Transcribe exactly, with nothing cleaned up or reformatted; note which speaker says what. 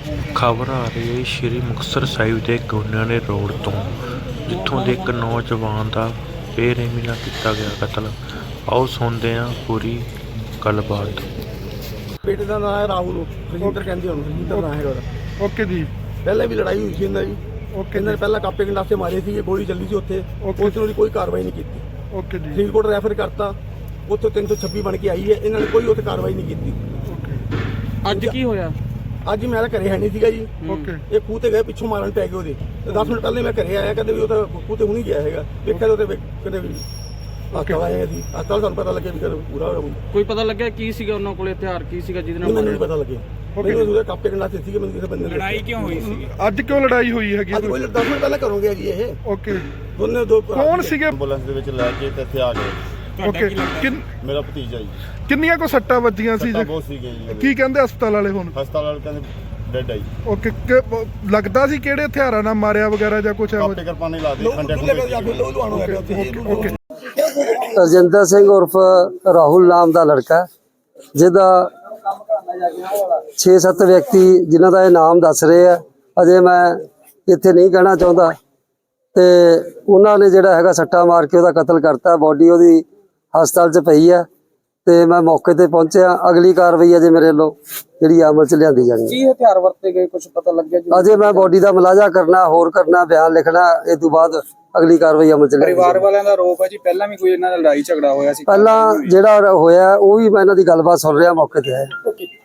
Speaker 1: ਖਬਰ ਆ ਰਹੀ ਹੈ ਸ਼੍ਰੀ ਮੁਕਤਸਰ ਸਾਹਿਬ ਦੇ ਗੋਨਿਆਣੇ ਰੋਡ ਤੋਂ, ਜਿੱਥੋਂ ਦੇ ਇੱਕ ਨੌਜਵਾਨ ਦਾ ਬੇਰਹਿਮੀ ਨਾਲ ਕੀਤਾ ਗਿਆ ਕਤਲ। ਆਓ ਸੁਣਦੇ ਹਾਂ ਪੂਰੀ ਗੱਲਬਾਤ।
Speaker 2: ਬੇਟੇ ਦਾ ਨਾਮ ਹੈ ਰਾਹੁਲ, ਰਜਿੰਦਰ ਕਹਿੰਦੇ ਉਹਨੂੰ, ਰਜਿੰਦਰ ਨਾਮ ਹੈ ਉਹਦਾ।
Speaker 3: ਓਕੇ ਜੀ।
Speaker 2: ਪਹਿਲਾਂ ਵੀ ਲੜਾਈ ਹੋਈ ਸੀ ਇਹਨਾਂ ਦੀ।
Speaker 3: ਓਕੇ।
Speaker 2: ਇਹਨਾਂ ਨੇ ਪਹਿਲਾਂ ਕਾਪੇ ਗੰਡਾਸੇ ਮਾਰੇ ਸੀ, ਗੋਲੀ ਚੱਲੀ ਸੀ ਉੱਥੇ, ਉਸ ਨੂੰ ਕੋਈ ਕਾਰਵਾਈ ਨਹੀਂ ਕੀਤੀ।
Speaker 3: ਓਕੇ ਜੀ।
Speaker 2: ਫਰੀਦਕੋਟ ਰੈਫਰ ਕਰਤਾ, ਉੱਥੇ ਤਿੰਨ ਸੌ ਛੱਬੀ ਬਣ ਕੇ ਆਈ ਹੈ, ਇਹਨਾਂ ਨੇ ਕੋਈ ਉੱਥੇ ਕਾਰਵਾਈ ਨਹੀਂ ਕੀਤੀ।
Speaker 4: ਅੱਜ ਕੀ ਹੋਇਆ? ਅੱਜ
Speaker 2: ਮੈਂ ਤਾਂ ਘਰੇ ਹੈ ਨਹੀਂ ਸੀਗਾ ਜੀ।
Speaker 3: ਓਕੇ।
Speaker 2: ਇਹ ਖੂਹ ਤੇ ਗਏ, ਪਿੱਛੋਂ ਮਾਰਨ ਪੈ ਗਏ ਉਹਦੇ। ਦਸ ਮਿੰਟ ਪਹਿਲੇ ਮੈਂ ਘਰੇ ਆਇਆ, ਕਹਿੰਦੇ ਵੀ ਉਹ ਤਾਂ ਖੂਹ ਤੇ ਹੁਣੀ ਗਿਆ ਹੈਗਾ, ਵੇਖਿਆ ਉਹਦੇ ਕਹਿੰਦੇ ਵੀ ਹਸਪਤਾਲ ਆਏ ਸੀ। ਹਸਪਤਾਲ ਸਾਨੂੰ ਪਤਾ ਲੱਗਿਆ ਵੀ ਕਰ ਪੂਰਾ ਹੋਇਆ।
Speaker 4: ਕੋਈ ਪਤਾ ਲੱਗਿਆ ਕੀ ਸੀਗਾ ਉਹਨਾਂ ਕੋਲ, ਹਥਿਆਰ ਕੀ ਸੀਗਾ ਜਿਹਦੇ ਨਾਲ?
Speaker 2: ਮੈਨੂੰ ਨਹੀਂ ਪਤਾ ਲੱਗਿਆ। ਮੈਨੂੰ ਉਹਦੇ ਕਾਪੇ ਗੰਡਾਸੇ ਸੀਗੇ, ਮੈਨੂੰ ਕਿਸੇ ਬੰਦੇ ਨੇ।
Speaker 4: ਲੜਾਈ ਕਿਉਂ ਹੋਈ ਸੀ
Speaker 3: ਅੱਜ? ਕਿਉਂ ਲੜਾਈ ਹੋਈ ਹੈਗੀ?
Speaker 2: ਅੱਜ ਕੋਈ ਦਸ ਮਿੰਟ ਪਹਿਲਾਂ ਘਰੋਂ ਗਿਆ ਜੀ ਇਹ।
Speaker 3: ਓਕੇ।
Speaker 2: ਦੋਨੇ ਦੋ
Speaker 3: ਕੌਣ ਸੀਗੇ?
Speaker 5: ਐਂਬੂਲੈਂਸ ਦੇ ਵਿੱਚ ਲੈ ਕੇ ਤੇ ਇੱਥੇ ਆ ਗਏ।
Speaker 3: ਓਕੇ। ਕਿੰਨ
Speaker 5: ਮੇਰਾ ਭਤੀਜਾ ਜੀ।
Speaker 3: ਕਿੰਨੀਆਂ ਕੋ ਸੱਟਾਂ ਵੱਜੀਆਂ ਸੀ?
Speaker 5: ਸੱਟਾਂ ਬਹੁਤ ਸੀਗੀਆਂ ਜੀ।
Speaker 3: ਕੀ ਕਹਿੰਦੇ ਹਸਪਤਾਲ ਵਾਲੇ ਹੁਣ?
Speaker 5: ਹਸਪਤਾਲ ਵਾਲੇ ਕਹਿੰਦੇ ਡੈਡ ਆਈ।
Speaker 3: ਓਕੇ। ਲੱਗਦਾ ਸੀ ਕਿਹੜੇ ਹਥਿਆਰਾਂ ਨਾਲ ਮਾਰਿਆ ਵਗੈਰਾ ਜਾਂ ਕੁਝ ਇਹੋ
Speaker 5: ਕਾਪੇ ਕਿਰਪਾਨੇ ਲਾ ਦੇ ਖੰਡੇ
Speaker 3: ਓਕੇ।
Speaker 6: ਰਜਿੰਦਰ ਸਿੰਘ ਉਰਫ ਰਾਹੁਲ ਨਾਮ ਦਾ ਲੜਕਾ, ਜਿਹਦਾ ਛੇ ਸੱਤ ਵਿਅਕਤੀ ਜਿਨ੍ਹਾਂ ਦਾ ਇਹ ਨਾਮ ਦੱਸ ਰਹੇ ਆ, ਅਜੇ ਮੈਂ ਇੱਥੇ ਨਹੀਂ ਕਹਿਣਾ ਚਾਹੁੰਦਾ, ਤੇ ਉਹਨਾਂ ਨੇ ਜਿਹੜਾ ਹੈਗਾ ਸੱਟਾ ਮਾਰ ਕੇ ਉਹਦਾ ਕਤਲ ਕਰਤਾ। ਬੋਡੀ ਉਹਦੀ ਹਸਪਤਾਲ 'ਚ ਪਈ ਆ ਤੇ ਮੈਂ ਮੌਕੇ ਤੇ ਪਹੁੰਚਿਆ। ਅਗਲੀ ਕਾਰਵਾਈ ਅਜੇ ਮੇਰੇ ਵੱਲੋਂ ਜਿਹੜੀ ਅਮਲ 'ਚ ਲਿਆਂਦੀ ਜਾਣੀ ਹੈ।
Speaker 4: ਕੀ ਹਥਿਆਰ ਵਰਤੇ ਗਏ, ਕੁਝ ਪਤਾ ਲੱਗਿਆ ਜੀ?
Speaker 6: ਅਜੇ ਮੈਂ ਬੋਡੀ ਦਾ ਮੁਲਾਜ਼ਾ ਕਰਨਾ, ਹੋਰ ਕਰਨਾ, ਬਿਆਨ ਲਿਖਣਾ, ਇਹ ਤੋਂ ਬਾਅਦ ਅਗਲੀ ਕਾਰਵਾਈ ਅਮਲ 'ਚ ਲਿਆਂਦੀ।
Speaker 4: ਪਰਿਵਾਰ ਵਾਲਿਆਂ ਦਾ ਆਰੋਪ ਹੈ ਜੀ ਪਹਿਲਾਂ ਵੀ ਕੋਈ ਇਹਨਾਂ ਦਾ ਲੜਾਈ ਝਗੜਾ ਹੋਇਆ ਸੀ।
Speaker 6: ਪਹਿਲਾਂ ਜਿਹੜਾ ਹੋਇਆ ਉਹ ਵੀ ਮੈਂ ਇਹਨਾਂ ਦੀ ਗੱਲਬਾਤ ਸੁਣ ਰਿਹਾ, ਮੌਕੇ ਤੇ ਆਇਆ।